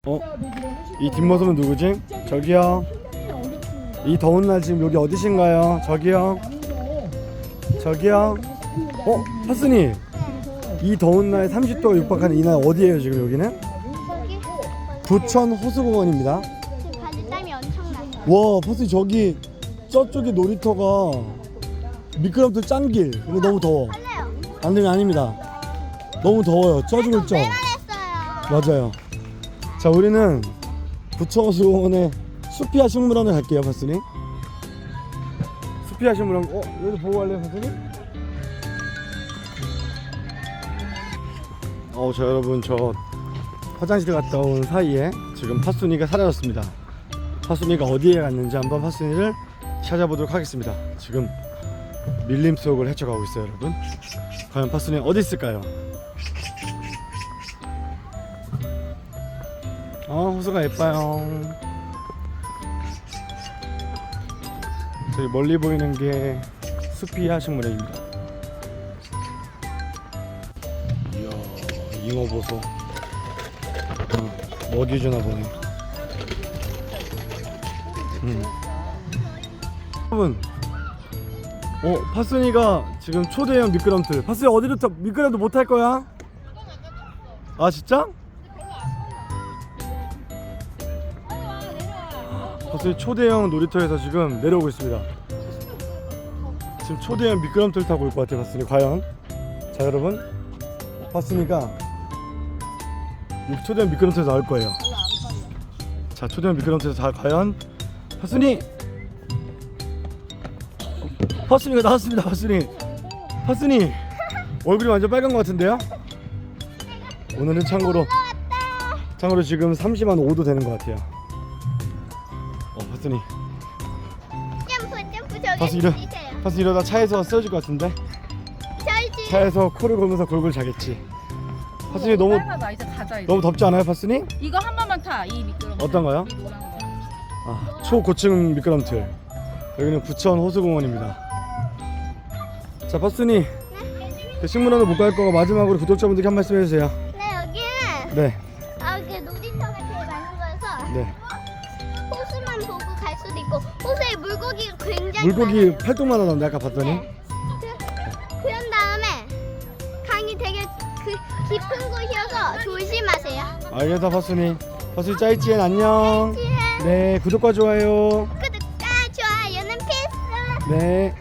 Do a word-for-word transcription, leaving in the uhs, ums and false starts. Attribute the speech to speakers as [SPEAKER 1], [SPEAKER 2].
[SPEAKER 1] 어? 이 뒷모습은 누구지? 저기요. 이 더운 날 지금 여기 어디신가요? 저기요. 저기요. 어? 하순이. 이 더운 날 삼십 도가 육박하는 이 날 어디예요 지금 여기는? 부천 호수공원입니다.
[SPEAKER 2] 지금 바지 땀이 엄청나요.
[SPEAKER 1] 와, 하순이 저기 저쪽에 놀이터가 미끄럼틀 짠 길. 근데 너무 더워.
[SPEAKER 2] 할래요.
[SPEAKER 1] 안 되면 아닙니다. 너무 더워요. 쪄 죽을 쪄.
[SPEAKER 2] 빼만했어요.
[SPEAKER 1] 맞아요. 자, 우리는 부천호수공원의 수피아 식물원을 갈게요, 파순이. 수피아 식물원. 어, 여기도 보고 갈래요, 파순이? 어, 자 여러분, 저 화장실 갔다 온 사이에 지금 파순이가 사라졌습니다. 파순이가 어디에 갔는지 한번 파순이를 찾아보도록 하겠습니다. 지금 밀림 속을 헤쳐가고 있어요, 여러분. 과연 파순이 어디 있을까요? 어, 호수가 예뻐요. 저기 멀리 보이는 게 수피아 식물원입니다. 이야, 잉어 보소. 어, 먹이 주나 보네. 음. 여러분, 어, 파순이가 지금 초대형 미끄럼틀. 파순이 어디로 타? 미끄럼틀 못 탈 거야? 아, 진짜? 파순이 초대형 놀이터에서 지금 내려오고 있습니다. 지금 초대형 미끄럼틀 타고 올 것 같아요, 파순이. 과연? 자, 여러분, 파순이가 이 초대형 미끄럼틀에서 나올 거예요. 자, 초대형 미끄럼틀에서 자, 과연 파순이! 파순이가 나왔습니다. 파순이. 파순이 얼굴이 완전 빨간 것 같은데요? 오늘은 참고로 참고로 지금 삼십만 오 도 되는 것 같아요. 어, 파순이.
[SPEAKER 2] 점프 점프 저기
[SPEAKER 1] 파순이 이러,
[SPEAKER 2] 주세요.
[SPEAKER 1] 파순이 이러다 차에서 쓰러질 것 같은데?
[SPEAKER 2] 저희
[SPEAKER 1] 차에서 코를 골면서 골골 자겠지. 파순이 너무
[SPEAKER 3] 나 이제 가자 이제.
[SPEAKER 1] 너무 덥지 않아요, 파순이?
[SPEAKER 3] 이거 한 번만 타. 이 미끄럼.
[SPEAKER 1] 어떤가요?
[SPEAKER 3] 이 노란 거.
[SPEAKER 1] 아, 초고층 미끄럼틀. 여기는 부천 호수공원입니다. 자, 파순이. 그 식물원을 못 갈 거고 마지막으로 구독자분들께 한 말씀 해주세요.
[SPEAKER 2] 네, 여기는
[SPEAKER 1] 네,
[SPEAKER 2] 아, 그 놀이터가 제일 많은 거여서
[SPEAKER 1] 네.
[SPEAKER 2] 호수만 보고 갈 수도 있고 호수에 물고기가 굉장히
[SPEAKER 1] 물고기
[SPEAKER 2] 많아요.
[SPEAKER 1] 팔뚝만 하던데 아까 봤더니.
[SPEAKER 2] 네. 그, 그런 다음에 강이 되게 그 깊은 곳이어서 조심하세요.
[SPEAKER 1] 알겠다, 파순이. 파순이 짜이찌엔 안녕. 네, 구독과 좋아요.
[SPEAKER 2] 구독과 좋아요는 필수.
[SPEAKER 1] 네.